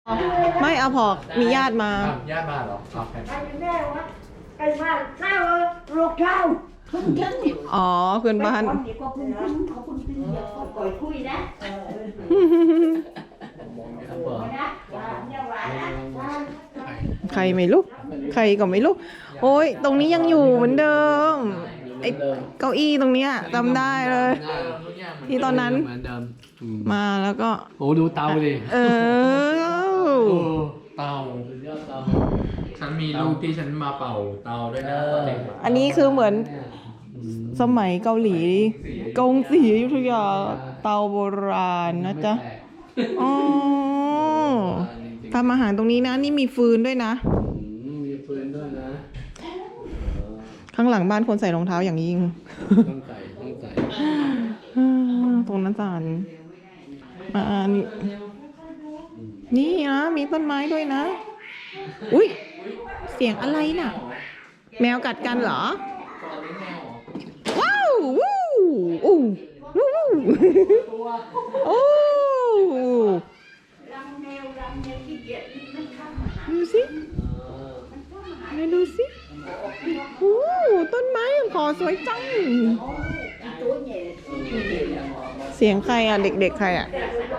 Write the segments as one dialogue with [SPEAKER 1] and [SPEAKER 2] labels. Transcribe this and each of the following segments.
[SPEAKER 1] ไม่เอาพอกมีญาติมา
[SPEAKER 2] ญาติมาเหรอครับ
[SPEAKER 3] แม่วะไอ้บ้านเศร้าลูกเช้าคุณถึง
[SPEAKER 1] อ๋อเพื่อนบ้าน
[SPEAKER 3] คนนี้ก็คุณเขาคุณถึงเดี๋ยวก็ก่อยคุยนะนะเนี่ยว่านะ
[SPEAKER 1] ใครไม่รู้ใครก็ไม่รู้โอ้ยตรงนี้ยังอยู่เหมือนเดิมไอ้เก้าอี้ตรงเนี้ยจำได้เลย ที่ตอนนั้น
[SPEAKER 4] เหมือนเดิม
[SPEAKER 1] มาแล้วก็
[SPEAKER 4] โอ้ดูเตาดิ
[SPEAKER 1] เออ
[SPEAKER 2] เตา
[SPEAKER 4] สุดยอดเตา
[SPEAKER 2] ฉันมีลูกที่ฉันมาเป่าเตาด้วยนะตอนเด็ก
[SPEAKER 1] อันนี้คือเหมือนสมัยเกาหลีกงสีอยุธยาเตาโบราณนะจ๊ะอ๋อทำอาหารตรงนี้นะนี่มีฟืนด้วยนะ
[SPEAKER 4] มีฟืนด้วยนะ
[SPEAKER 1] ข้างหลังบ้านคนใส่รองเท้าอย่างยิ่ง
[SPEAKER 4] ต้องใส่ต้องใส่
[SPEAKER 1] ตรงนั้นจานนี่นี่นะมีต้นไม้ด้วยนะ อุ้ยเสียงอะไรน่ะ แมวกัดกันเหรอ ว้าววู้อู้วู้โอ้ดูสิไหนดูสิโอ้ต้นไม้ขอสวยจัง เสียงใครอ่ะ เด็กๆใครอ่ะ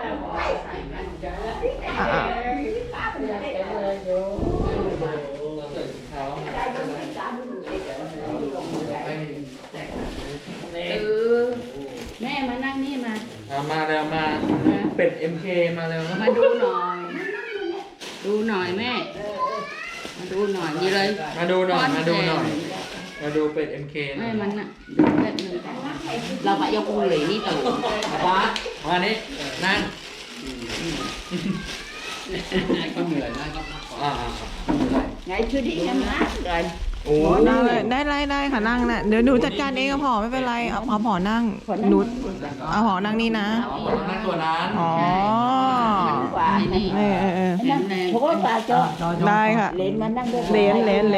[SPEAKER 5] แม่มานั่งนี่มา
[SPEAKER 2] มาแล้วมาเป็ด MK มาแล้ว
[SPEAKER 5] มาดูหน่อย ดูหน่อยแม่ มาดูหน่อยนี่เลย
[SPEAKER 2] มาดูหน่อยมาดูหน่อยมาดูเป็ด MK หน่
[SPEAKER 5] แม่
[SPEAKER 2] อย
[SPEAKER 5] มันน่ะดูแป๊บนึงเราไปยกมือเลยนี่ตู่
[SPEAKER 2] ฟ้ามานี่นั่ง
[SPEAKER 4] ก็เหนื่อยนะก็พักผ่อน
[SPEAKER 3] ngày chưa đi em hát rồi
[SPEAKER 2] โอ้
[SPEAKER 1] ได้ค่ะนั่งน่ะเดี๋ยวหนูจัดการเองเอาผอไม่เป็นไรเอาผอนั่งหนูเอาผอนั่งนี่นะ
[SPEAKER 2] นั่งตัวนั้น
[SPEAKER 1] อ๋อ
[SPEAKER 3] quà
[SPEAKER 5] นี่
[SPEAKER 1] เออ
[SPEAKER 5] แข็งแรง
[SPEAKER 3] phố quà cho
[SPEAKER 1] ได้ค่ะ
[SPEAKER 3] lên mà đang được
[SPEAKER 1] เลนเลน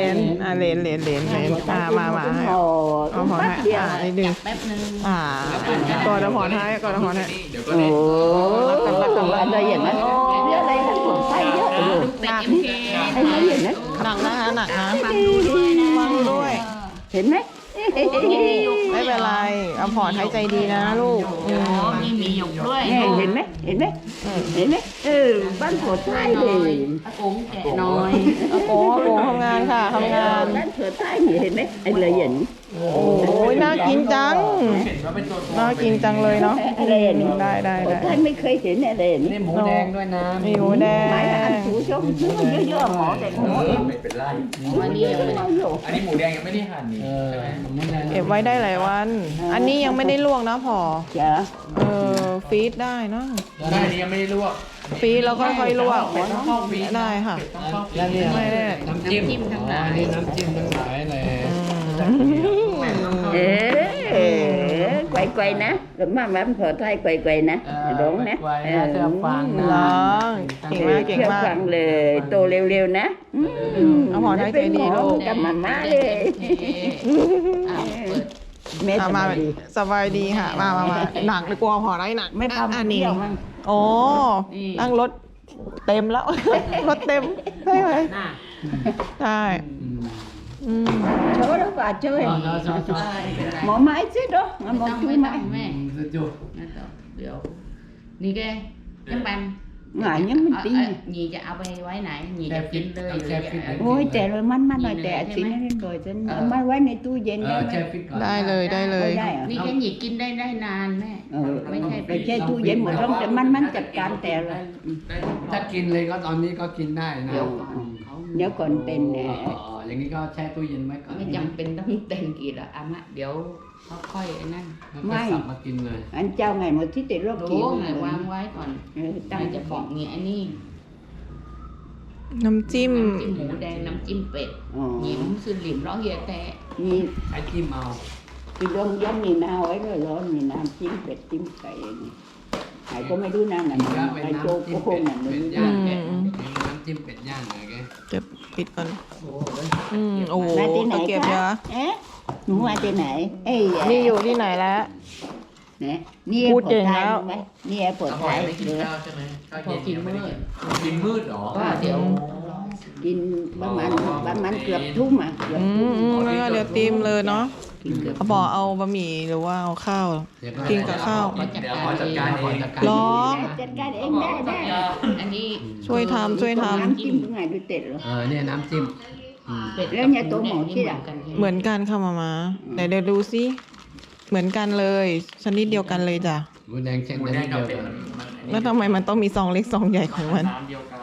[SPEAKER 1] มาให้
[SPEAKER 3] hồ
[SPEAKER 1] เอาผอให้นิดนึง
[SPEAKER 5] แป๊บนึง
[SPEAKER 1] ก่อนเอาผอให้ก่อนเอาผอให้
[SPEAKER 2] เดี๋ยวก็เล่น
[SPEAKER 3] ồ anh ơi vậy mà nhớ đây là còn say nhớ
[SPEAKER 5] ดูเป็ด MK
[SPEAKER 3] anh nói gì nữa
[SPEAKER 1] หนักนะหนักนะ
[SPEAKER 5] ฟังดูด้วยนะ
[SPEAKER 1] ฟังด้วย
[SPEAKER 3] ห็นไหม
[SPEAKER 1] ไม่เป็นไรเอาผอให้ใจดีนะลูก
[SPEAKER 5] โอ้มีหยกด้วย
[SPEAKER 3] เห็นไหมเห็นไหมเห็นไหมบ้านผัวท้าย
[SPEAKER 5] หน่
[SPEAKER 3] เล
[SPEAKER 5] อย
[SPEAKER 3] ย
[SPEAKER 5] อากงแกะหน่อย
[SPEAKER 1] อาโกทำงานค่ะทำงาน
[SPEAKER 3] บ้านผัวท้ายนี่เห็นไหมไอ้เลยเห็น
[SPEAKER 1] โอ้ยน่ากินจัง
[SPEAKER 2] เห็นว่าเป็นตัว
[SPEAKER 1] น่ากินจังเลยเนาะ
[SPEAKER 3] อะไรเห็น
[SPEAKER 1] ได้
[SPEAKER 3] ผัวท้ายไม่เคยเห็นอะไรเห็น
[SPEAKER 4] นี่หมูแดงด้วยนะ
[SPEAKER 1] มีหมูแดง
[SPEAKER 3] หมายถึงอันถูชมซื้อมันเยอะๆหมอแต่หมอเอง
[SPEAKER 2] ไม่เป็นไร
[SPEAKER 5] วันนี้ยังไม่ได้
[SPEAKER 2] อันนี้หมูแดงยังไม่ได้หั่นนี่
[SPEAKER 4] เออ
[SPEAKER 2] ใช่ไหม
[SPEAKER 4] หมูแดง
[SPEAKER 1] เก็บไว้ได้หลายวัน อันนี้ยังไม่ได้ลวกนะพอ
[SPEAKER 3] จ้ะ
[SPEAKER 1] ฟีดได้เนอะ
[SPEAKER 2] ได้อันนี้ยังไม่ได้ลวก
[SPEAKER 1] ฟีดแล้วค่อยๆลวก
[SPEAKER 2] เป็ดต้องเข้าฟรีซ
[SPEAKER 1] ได้ค่ะ
[SPEAKER 2] เป็ดต้องเข้าฟรี
[SPEAKER 4] แล้ว
[SPEAKER 2] ซ
[SPEAKER 4] เนี่ย
[SPEAKER 1] ไม่ได้
[SPEAKER 4] น้ำจิ้ม
[SPEAKER 5] ทั้งหลาย
[SPEAKER 4] นี่น้ำจิ้มทั้งหลายเลย
[SPEAKER 3] quay nè rồi mà em phở thay quay nè đúng nè
[SPEAKER 4] ไว้นะเธอฟังนะ
[SPEAKER 1] ร้องเก่งมากเก่ง
[SPEAKER 3] theo
[SPEAKER 1] มาก
[SPEAKER 3] phần lời tô liêu liêu nè
[SPEAKER 1] เอาหมอท้ายใจดีลูก
[SPEAKER 3] กับมาม่าเลย แม่
[SPEAKER 1] มา
[SPEAKER 3] ทำ
[SPEAKER 1] มา
[SPEAKER 3] มาดี
[SPEAKER 1] สบายดีค่ะ มาหนักเลยกลัวพอได้หนัก
[SPEAKER 3] ไม่ทำ
[SPEAKER 1] อันนี้
[SPEAKER 3] เที่ยวมั้ง
[SPEAKER 1] โอ้นั่งรถเต็มแล้ว รถเต็มได้ไหมใช่อืม
[SPEAKER 3] chỗ đó bà chơi
[SPEAKER 4] ชอบ
[SPEAKER 3] mỏ mái chứ đó mà
[SPEAKER 5] ต้
[SPEAKER 3] mỏ
[SPEAKER 5] อง
[SPEAKER 3] chui
[SPEAKER 5] ไม่ต้อง
[SPEAKER 3] mái
[SPEAKER 5] แม่
[SPEAKER 4] สุดยอด
[SPEAKER 5] ไม่ต้องเดี๋ยว นี่แกยังบัน
[SPEAKER 3] ngại nhưng mình tin
[SPEAKER 5] หยีจะเอาไปไว้ไหนหยีจะกินเลย
[SPEAKER 3] ôi trẻ rồi mắn mắn rồi trẻ xin nó lên rồi chân mai quay này tôi dền
[SPEAKER 4] เออ
[SPEAKER 3] đây
[SPEAKER 4] แช่
[SPEAKER 3] mà
[SPEAKER 4] ฟิตก่อน
[SPEAKER 1] ได้เลยได้เลย
[SPEAKER 3] ได้เหรอ
[SPEAKER 5] นี่แกหยีกินได้นานแม่ ไม่ใช่
[SPEAKER 3] ไปแช่ตู้เย็นหมดแล้วแต่มันจัดการแต่ละ
[SPEAKER 4] ถ้ากินเลยก็ตอนนี้ก็กินได้นะ
[SPEAKER 3] เดี๋ยวก่อนเป็นแหน่
[SPEAKER 4] อย่างนี้ก็แช่ตู้เย็นไว้ก่อน
[SPEAKER 5] ไม่จำเป็นต้องเต็มกี่หรอกอามะเดี๋ยวเขาค่อยไอ้นั่น
[SPEAKER 4] แล้วก็สับมากินเลย
[SPEAKER 3] anh trao ngày một tí thì lúc
[SPEAKER 5] รู้ไงวางไว้ก่อน
[SPEAKER 3] tăng
[SPEAKER 5] จะบอกเงี้ยอันนี้
[SPEAKER 1] น้ำจิ้ม
[SPEAKER 5] น้ำจิ้มหมูแดงน้ำจิ้มเป็ดหยิมคือหลิมร้อเฮียแต่
[SPEAKER 3] nhìn
[SPEAKER 4] ใช้จิ้มเอา
[SPEAKER 3] cái đông giống nhìn nào ấy rồi lo nhìn nào chimเป็ด chim cày hải có mấy đứa nào
[SPEAKER 4] อันนี้ก็
[SPEAKER 3] là
[SPEAKER 4] เป็น
[SPEAKER 3] hai cô
[SPEAKER 4] น้ำจิ้ม
[SPEAKER 3] cô
[SPEAKER 4] เป็ด
[SPEAKER 3] là
[SPEAKER 4] เป็ด
[SPEAKER 3] mình
[SPEAKER 4] ย่างแกะน้ำจิ้มเป็ดย่างเลยแก
[SPEAKER 1] เก็บปิดก่อนโอ้โห
[SPEAKER 3] Này tên
[SPEAKER 1] ตะ
[SPEAKER 3] này
[SPEAKER 1] เกียบเยอะ
[SPEAKER 3] Ế, đúng rồi tên này Ê,
[SPEAKER 1] นี่อยู่ที่ไหนแล้ว
[SPEAKER 3] เนี่ยนี่
[SPEAKER 1] พูดเก่งแล้ว
[SPEAKER 3] ไหมนี่ปวด
[SPEAKER 2] อร่อ
[SPEAKER 3] ท้าย ย
[SPEAKER 2] ไม่กิน
[SPEAKER 3] เลย
[SPEAKER 2] ข้าวใช่ไหมข้าว
[SPEAKER 5] พอ
[SPEAKER 2] เย็น
[SPEAKER 5] กิน
[SPEAKER 2] ยังไม่
[SPEAKER 5] มื้
[SPEAKER 2] ได้
[SPEAKER 5] อ
[SPEAKER 2] กินมืดเหรอ
[SPEAKER 5] ก็เดี๋ยว
[SPEAKER 3] กินประมาณเกือบทุ่มอ่ะเกือบ
[SPEAKER 1] อื
[SPEAKER 3] ทุ่ม
[SPEAKER 1] มแล้วก็เดี๋ยวตีมเลยเนาะ
[SPEAKER 3] กินเกือบ
[SPEAKER 1] เขาบอกเอาบะหมี่หรือว่าเอาข้าว
[SPEAKER 4] เดี๋ยวก็
[SPEAKER 1] กินกับข้าว
[SPEAKER 2] เดี๋ยวขอจัดการเอง
[SPEAKER 1] หรอ
[SPEAKER 3] จัดการเองได้ได้
[SPEAKER 5] อันนี้
[SPEAKER 1] ช่วยทำช่วยท
[SPEAKER 3] น้ำจิ้มยังไงดูเต็ดเหรอ
[SPEAKER 4] เนี่ยน้ำจิ้ม
[SPEAKER 5] เป็ด
[SPEAKER 3] แล้วเนี่ยตัวหมอที่ไหน
[SPEAKER 1] ำเหมือนกันค่ะมาแต่เดี๋ยวดูซิเหมือนกันเลยชนิดเดียวกันเลยจ้ะ
[SPEAKER 4] หมูแดงเช่น
[SPEAKER 2] หมู
[SPEAKER 4] นั้น
[SPEAKER 2] แดงกับ
[SPEAKER 4] เดียว
[SPEAKER 2] เป็ด
[SPEAKER 4] กัน
[SPEAKER 1] แล้วทำไมมันต้องมีซองเล็กซองใหญ่ของมัน
[SPEAKER 2] น้ำเดียวกัน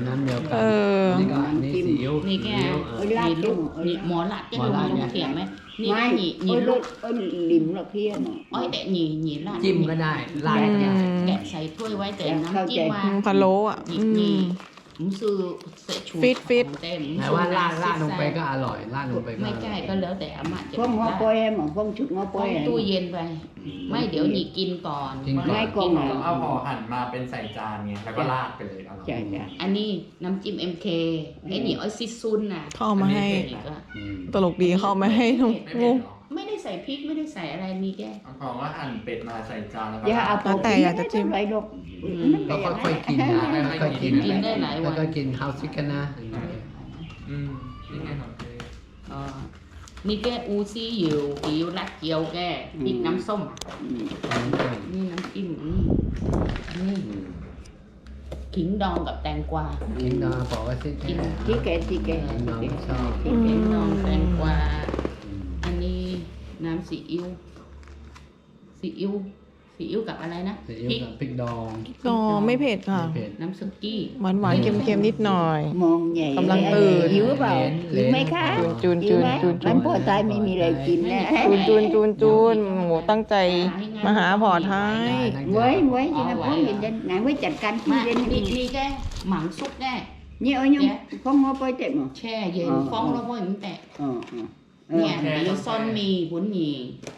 [SPEAKER 4] น้ำเดียวกั
[SPEAKER 1] เออ
[SPEAKER 4] นี่ก็นี่ซีอิ๊ว
[SPEAKER 5] นี่แก
[SPEAKER 4] ซีอิ๊ว
[SPEAKER 5] นี่ลูกนี่หมอหลัดแกลงเขียนไหมนี่
[SPEAKER 3] ไม่
[SPEAKER 5] ก็หนี
[SPEAKER 3] โอ้ย
[SPEAKER 5] ลูก
[SPEAKER 3] โอ้ยลิมหรอกพี่เนาะ
[SPEAKER 5] อ้อยแต่หนีลาด
[SPEAKER 4] จิ้มก็ได้ลาดก็ได้
[SPEAKER 5] แกะใส่ถ้วยไว้แต่น้ำจิ้มว่า
[SPEAKER 1] พะโล้อ่ะ
[SPEAKER 5] หนี
[SPEAKER 1] อื
[SPEAKER 5] หนี
[SPEAKER 1] ม
[SPEAKER 5] ผมซื้อเสร็จชู
[SPEAKER 1] ฟิตฟิต
[SPEAKER 5] เต็ม
[SPEAKER 4] แต่ว่าลาดลงไปก็อร่อยลาดลงไปก็
[SPEAKER 5] ไม่
[SPEAKER 4] อร่
[SPEAKER 5] ใช่
[SPEAKER 4] อย
[SPEAKER 5] ก็แล้วแต่อาม่าจะ
[SPEAKER 3] พวกงอปอยหมอพวกชุดงอป
[SPEAKER 5] ป
[SPEAKER 3] อ
[SPEAKER 5] อย ยตู้เย็นไป ไม่เดี๋ยวหนีกินก่อน
[SPEAKER 3] ไม่กล่องไหน
[SPEAKER 2] ต้องเอาห่อหั่นมาเป็นใส่จานไงแล้วก็ราดไปเลยอร่อย
[SPEAKER 3] ใช่ใช่
[SPEAKER 5] อันนี้น้ำจิ้ม MK ไอ้นี่อ้อยซิซุนน่ะ
[SPEAKER 1] เข้ามาให้
[SPEAKER 5] อีกอะ
[SPEAKER 4] อืม
[SPEAKER 1] ตลกดีเข้ามาให้ทุก
[SPEAKER 2] ไม่เผ็ดหรอ
[SPEAKER 5] ไม่ได้ใส่พริกไม่ได้ใส่อะไรมีแค่
[SPEAKER 2] เอาของว่าหั่นเป็ดมาใส่จานแล้วก็
[SPEAKER 3] อย่าเอา
[SPEAKER 1] แล้วแต่อยากจะจิ้ม
[SPEAKER 3] ไรหรอก
[SPEAKER 4] ก็ค่อยๆกินนะค่อยๆกิน
[SPEAKER 5] กินได้หลายวัน
[SPEAKER 4] แล้วก็กินข้าวซิกันนะ
[SPEAKER 2] อืมนี่ไงของเจ๊
[SPEAKER 5] เออนี่แกอูซี่อยู่อิวรัดเกียวแกพริกน้ำส้ม นี่น้ำจิ้มนี่ขิงดองกับแตงกวา
[SPEAKER 4] กินนะบอกว่าซิแค่
[SPEAKER 3] ที่แกที่แก
[SPEAKER 4] น้องชอบ
[SPEAKER 5] ขิงดองแตงกวา อันนี้น้ำซีอิ๊วซีอิ๊วซีอิ๊วกับอะไรนะ
[SPEAKER 4] ซีอิ๊ว
[SPEAKER 5] พริก
[SPEAKER 4] กับพริกดอง
[SPEAKER 1] ก็ไม่เผ็ดค่ะ
[SPEAKER 4] ไม่เผ็ด
[SPEAKER 5] น้ำซุกี้
[SPEAKER 1] หวานหวานๆเค็มๆนิดหน่อย
[SPEAKER 3] มองใหญ่
[SPEAKER 1] กำลังตื่น
[SPEAKER 3] หิวเปล่าหิวไหมคะ
[SPEAKER 1] จูน
[SPEAKER 3] หิวไหม
[SPEAKER 1] จูน
[SPEAKER 3] มันพอตายไม่มีอะไรกินนะ
[SPEAKER 1] จูนโหตั้งใจมาหาพอท้าย
[SPEAKER 3] với chị là có gì đến ngài với chặt canh
[SPEAKER 5] มา
[SPEAKER 3] kia
[SPEAKER 5] นี่
[SPEAKER 3] đến
[SPEAKER 5] นี่แกหมังซุปแก
[SPEAKER 3] như ở nhung con ngô bơi tiệm mà
[SPEAKER 5] แช่เย็นฟองแล้วพ่ออย่างแต่
[SPEAKER 3] ờ
[SPEAKER 5] เนี่ยเดี๋ยวซ่อนมีบุญหมี่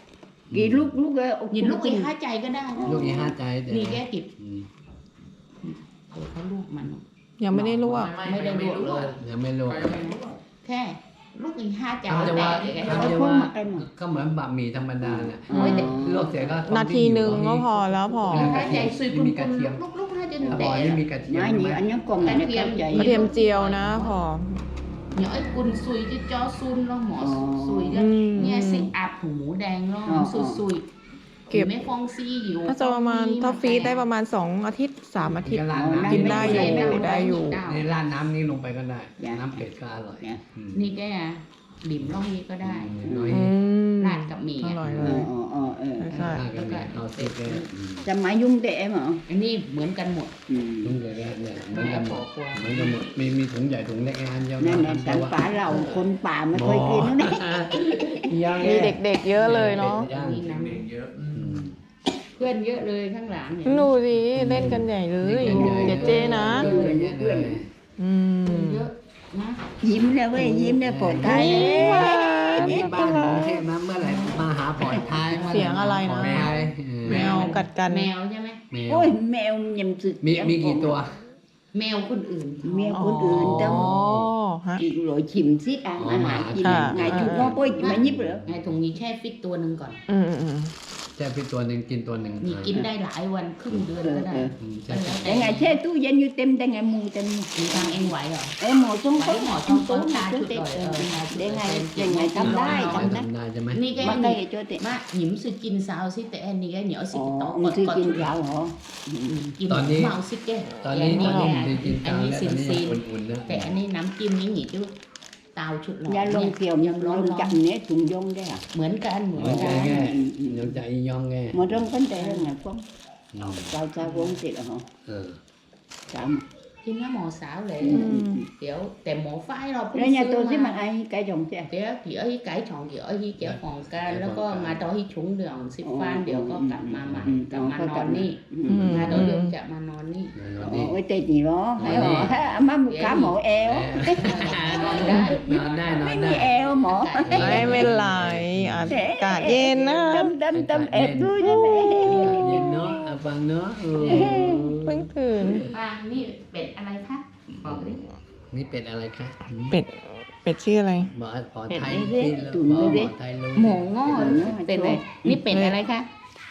[SPEAKER 3] kỳ lúc lúc
[SPEAKER 5] หยิบลูกอีกห้าใจก็ได้นะ
[SPEAKER 4] ลูกอีห้าใจแต่
[SPEAKER 5] นี่แกกิบ
[SPEAKER 4] อืม
[SPEAKER 5] เขาลูกมัน
[SPEAKER 1] ยังไม่ได้ลวก
[SPEAKER 5] ไม่ได้ลวกเลย
[SPEAKER 4] ยังไม่รู้
[SPEAKER 5] แค่ลูกอีกห้าใจ
[SPEAKER 4] ทำจะ
[SPEAKER 5] แต่
[SPEAKER 4] ว่า
[SPEAKER 5] แก
[SPEAKER 4] ทำจะว่าก็เหมือนบะหมี่ธรรมดาเนี่ยลวกเสร็จก็
[SPEAKER 1] นาทีหนึ่งก็พอแล้วพอ
[SPEAKER 5] ห้าใจซุยคุณ
[SPEAKER 4] มีกระเทียม
[SPEAKER 5] ลูกห้าใจ
[SPEAKER 4] บ
[SPEAKER 5] แต่
[SPEAKER 4] อยนี่มีกระเทียม
[SPEAKER 3] nói
[SPEAKER 4] ใช่ไหม
[SPEAKER 3] nhiều anh nhớ còn này nó kéo
[SPEAKER 1] กระ
[SPEAKER 3] chạy
[SPEAKER 1] เทียมเจียวนะพอ
[SPEAKER 5] nhớไอ้กุนซุยที่จอซุนแล้วหมอซุย
[SPEAKER 1] อืม
[SPEAKER 5] เนี่ยสิอาบหูหมูแดงแล้วซุย
[SPEAKER 1] เก็บ
[SPEAKER 5] ไม่ฟองซีอยู่
[SPEAKER 1] ถ้าจะประมาณถ้าฟรีซได้ประมาณ2 อาทิตย์3 อาทิตย์
[SPEAKER 4] ก็ราดน้ำ
[SPEAKER 1] กินได้อยู่ได้อยู่
[SPEAKER 4] ในราดน้ำนี้ลงไปก็ได้ น้ำเผ็ดก็อร่อยอืม
[SPEAKER 5] นี่แกหลิมร่องนี้ก็ได้
[SPEAKER 4] น้อย
[SPEAKER 1] อืม
[SPEAKER 5] ราดกับหมี่
[SPEAKER 1] อ
[SPEAKER 5] อะ
[SPEAKER 1] ร่อยเลย ใช่
[SPEAKER 4] ราดกันเนี่ยเอาซิกเลย
[SPEAKER 3] chăm máy dung tệ mà
[SPEAKER 5] อันนี้เหมือนกันหมด
[SPEAKER 4] ถุงใหญ่เนี่ยเหมือนกันหมดเหมือนกันหมดมีถุงใหญ่ถุงเล็กอันเดียว
[SPEAKER 3] nên là cảnh phá lầu con bà mới coi kia nó đấy
[SPEAKER 1] มีเด็กๆเยอะเลยเนาะ
[SPEAKER 4] ย่าง
[SPEAKER 5] นี่น้
[SPEAKER 2] เด็กเยอะ
[SPEAKER 5] ำเพื่อนเยอะเลยข้างหลังเนี่ย
[SPEAKER 1] ดูสิเล่นกันใหญ่เลยเจ๊เจ๊นะ อืม
[SPEAKER 5] เยอะนะ
[SPEAKER 3] ยิ้มแล้วเว้ยยิ้มแล้วปวดท้าย
[SPEAKER 4] มีบ้านกรุงเทพนะเมื่อไหร่มาหาปล่อยท้าย
[SPEAKER 1] เสียงอะไรนะ
[SPEAKER 4] แมว
[SPEAKER 1] แมวกัดกัน
[SPEAKER 5] แมวใช่ไหม
[SPEAKER 4] แมว
[SPEAKER 3] ôi mèo nhầm sự
[SPEAKER 4] มีกี่ตัว
[SPEAKER 5] แมวคนอื่น
[SPEAKER 3] mèo conอื่น
[SPEAKER 1] อ๋
[SPEAKER 3] trong
[SPEAKER 1] อฮะ
[SPEAKER 3] chị rồi chìm xít ăn
[SPEAKER 4] Ồ,
[SPEAKER 3] ăn
[SPEAKER 4] mà
[SPEAKER 3] hại chị
[SPEAKER 1] à,
[SPEAKER 3] ngày
[SPEAKER 1] à,
[SPEAKER 3] chụp
[SPEAKER 1] à.
[SPEAKER 3] nó bôi chị mà nhíp nữa
[SPEAKER 5] ไงถุงนี้แช่ฟิตตัวหนึ่งก่อน
[SPEAKER 1] อืม
[SPEAKER 4] แช่พี่ตัวหนึ่งกินตัวหนึ่ง
[SPEAKER 5] นี่กินได้หลายวันครึ่งเดือนก็ได้
[SPEAKER 4] ใช่
[SPEAKER 3] để ngày xe tu dân như tem tay ngày mù tem
[SPEAKER 5] มีทางเองไหวเหรอ
[SPEAKER 3] em mò trong
[SPEAKER 5] Bảy
[SPEAKER 3] có
[SPEAKER 5] mò
[SPEAKER 3] trong
[SPEAKER 5] trong
[SPEAKER 3] tố
[SPEAKER 5] tố
[SPEAKER 3] mà
[SPEAKER 5] ta
[SPEAKER 3] chú
[SPEAKER 5] chút
[SPEAKER 3] tem
[SPEAKER 5] rồi,
[SPEAKER 3] để ngày tâm đai
[SPEAKER 4] ท
[SPEAKER 3] tâm đai
[SPEAKER 4] ำได้ใช่ไหม
[SPEAKER 5] นี่แก
[SPEAKER 3] mà cây cho tem
[SPEAKER 5] มาหยิมสิกินซาวสิแต่อันนี้แกเหนียวสิต่อ
[SPEAKER 3] ồ
[SPEAKER 5] ก
[SPEAKER 3] ông
[SPEAKER 5] ด
[SPEAKER 3] sư
[SPEAKER 5] กด
[SPEAKER 3] kinh rau hả
[SPEAKER 5] กินเมาสิแก
[SPEAKER 4] ตอนนี้
[SPEAKER 5] นี่
[SPEAKER 4] ตอน
[SPEAKER 5] แก
[SPEAKER 4] นี้กิน
[SPEAKER 5] อั
[SPEAKER 4] กาน ร
[SPEAKER 5] นี้
[SPEAKER 4] แล้ว
[SPEAKER 5] ซิ
[SPEAKER 4] ตอน
[SPEAKER 5] น
[SPEAKER 4] นี้
[SPEAKER 5] ซิน
[SPEAKER 4] อุ่นๆนะ
[SPEAKER 5] แต่อันนี้น้ำจิ้มนี่หนีจุดเตาชุดหล่อ
[SPEAKER 3] nhà
[SPEAKER 5] เนี่
[SPEAKER 3] lông
[SPEAKER 5] ย
[SPEAKER 3] kiều nhà lông chậm nhé thùng dông đấy à
[SPEAKER 5] เหมือนกันเหมือน
[SPEAKER 4] หัวใจ
[SPEAKER 5] กัน
[SPEAKER 4] แง่หัวใจยองแง่
[SPEAKER 3] mà trong vấn đề là ngày phong sao sao cũng thì là hả
[SPEAKER 4] เออ
[SPEAKER 3] sao
[SPEAKER 5] กินน้ำหมอสาวเลย เดี๋ยวแต่หมอฝ้ายเราเพิ่ง
[SPEAKER 3] đấy nhà
[SPEAKER 5] ซื้อ
[SPEAKER 3] tôi chứ
[SPEAKER 5] มา
[SPEAKER 3] mà ai cái dòng chứ
[SPEAKER 5] เดี๋ยวกี่อ้อยไก่ช่องกี่อ้อยที่เจ้าของกันแล้วก็มาต่อที่ชุงเดืองสิบฟันเดี๋ยวก็กลับมาใหม่กลับมานอนนี่มาต่อเดี๋ยวจะมานอนนี่
[SPEAKER 3] ôi tê gì đó thấy hả má một cá mổ eo
[SPEAKER 5] นอนได้
[SPEAKER 4] นอนได้นอน
[SPEAKER 3] mấy
[SPEAKER 4] ได้
[SPEAKER 3] mi eo mổ
[SPEAKER 1] ไม่เป็นไรอากาศเย็นนะ
[SPEAKER 3] tâm tâm tâm ẹp đuôi cho mẹ
[SPEAKER 4] เย็นเนาะฟังเนาะ
[SPEAKER 1] เพิ่งตื่น
[SPEAKER 5] ป้านี่เป็ดอะไรคะบอกดิ
[SPEAKER 4] นี่เป็ดอะไรคะ
[SPEAKER 1] เป็ดชื่ออะไร
[SPEAKER 4] บอกขอไทย
[SPEAKER 3] เป็ด
[SPEAKER 4] ที่
[SPEAKER 3] ตุ๋น
[SPEAKER 4] บอก
[SPEAKER 3] เลยดิ
[SPEAKER 4] ไทยรู้
[SPEAKER 5] หมูงอเป็ดอะไรนี่เป็ดอะไรคะ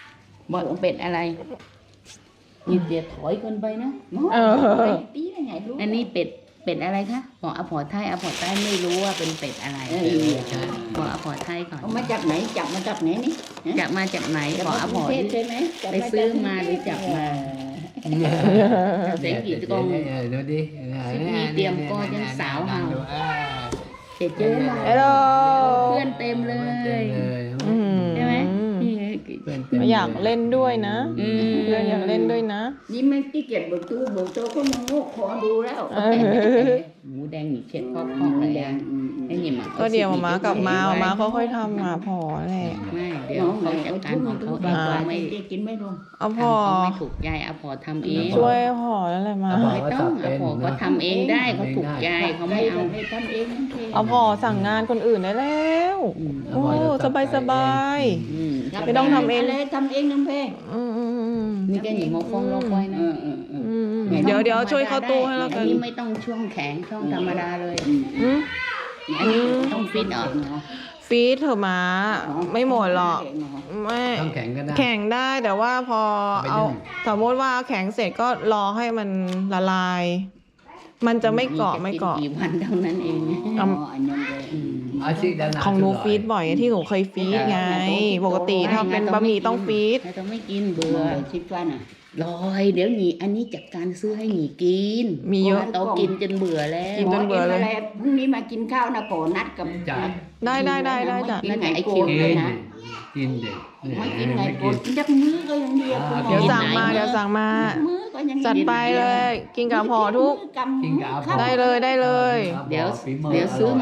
[SPEAKER 5] บอกเป็ดอะไรนี่เดี๋ยวถอยเกินไปนะ
[SPEAKER 1] เออ
[SPEAKER 3] tí là ngày luôn
[SPEAKER 5] อันนี้เป็ดอะไรคะบอกอภรไทยไม่รู้ว่าเป็นเป็ดอะไรบอกอภรไทยก่อน
[SPEAKER 3] ông mới chặt nãy mà chặt nãy ní
[SPEAKER 5] จับมาจากไหนบอกอภร
[SPEAKER 3] thế thế mấy
[SPEAKER 5] ไปซื้อมาหรือจับมา เสียงกี่กอง
[SPEAKER 4] ดูดิ
[SPEAKER 5] มีเตรียมก็ยังสาวเห่า เจ๊เจ๊มา
[SPEAKER 1] ฮัลโหล
[SPEAKER 5] เพื่อนเต็มเลย
[SPEAKER 1] อืม
[SPEAKER 5] ใช่ไหม
[SPEAKER 1] อยากเล่นด้วยนะ
[SPEAKER 5] อืม
[SPEAKER 1] เพื่อนอยากเล่นด้วยนะ
[SPEAKER 3] nhưng mấy cái kẹt bột tô có mong ngốc khó đu đó
[SPEAKER 5] หมูแดงหนีเช็ดพอกอะไรอ่ะไอ้นี่มัน
[SPEAKER 1] ก็เดี๋ยวมากลับมามาค่อยๆทำมาพอแหละ
[SPEAKER 5] ไม่เดี๋ยวเขาจัดการของเขาเองเขาไม่
[SPEAKER 3] chín mấy luôn
[SPEAKER 1] เอาพ
[SPEAKER 5] เขา
[SPEAKER 1] อ
[SPEAKER 5] ไม่ถูกใจอภรทำเอง
[SPEAKER 1] ช่วยพอแล้วแหละมา
[SPEAKER 5] ไม่ต้องอภรก็ทำเองได้เขาถูกใจเขาไม่
[SPEAKER 3] đây
[SPEAKER 5] เอา
[SPEAKER 3] là phải thăm em
[SPEAKER 1] เอาพอสั่งงานคนอื่นได้แล้ว โอ้สบายสบาย
[SPEAKER 5] อืม
[SPEAKER 1] ไม่ต้องทำเอง
[SPEAKER 3] thăm em năm phê
[SPEAKER 1] อืมอืมอืม
[SPEAKER 5] นี่แกหนีมาฟ้องเราไว้นะ
[SPEAKER 1] อืมเดี๋ยวช่วยเข้าตู้ให้แล้ว
[SPEAKER 5] อั
[SPEAKER 1] กัน น
[SPEAKER 5] นี้ไม่ต้องช่วงแข็งช่องธรรมดาเลย
[SPEAKER 1] อืม
[SPEAKER 5] อันนี้ต้องฟิตออก
[SPEAKER 1] ฟีดเถอะมาไม่หมดหรอกไม่
[SPEAKER 4] ต้องแข็งก็ได้
[SPEAKER 1] แข่งได้แต่ว่าพอ
[SPEAKER 4] เอาไป
[SPEAKER 1] เอา
[SPEAKER 4] นึ่ง
[SPEAKER 1] สมมติว่าแข็งเสร็จก็รอให้มันละลาย มันจะไม่เกาะไม่เกาะ
[SPEAKER 5] กี่วันเท่านั้นเอง
[SPEAKER 4] อาชีพด้านหน้า
[SPEAKER 1] ของหนูฟีดบ่อยที่หนูเคยฟีดไง ปกติถ้าเป็นบะหมี่ต้องฟีด
[SPEAKER 5] แต่ต้องไม่กินเบื่อ
[SPEAKER 3] ship cho nè
[SPEAKER 5] ลอยเดี๋ยวหนีอันนี้จัดการซื้อให้หนีกิน
[SPEAKER 1] มีเยอะ
[SPEAKER 5] โตกินจนเบื่อแล้ว
[SPEAKER 1] กินจนเบื่อเลย
[SPEAKER 3] นี่มากินข้าวนะก่อนนัดกับ
[SPEAKER 4] จ้ะ
[SPEAKER 1] ได้จ้ะ
[SPEAKER 3] กินไงโกนเลยนะ
[SPEAKER 4] กินเด็ก
[SPEAKER 3] มากินไงโกนจักมื้อก็ยังดี
[SPEAKER 1] เดี๋ยวสั่งมา
[SPEAKER 3] มื้อก็ยัง
[SPEAKER 1] จัดไปเลย กินกับห่อทุก
[SPEAKER 4] กินกับ
[SPEAKER 1] ได้เลย
[SPEAKER 5] เดี๋ยวซื้อ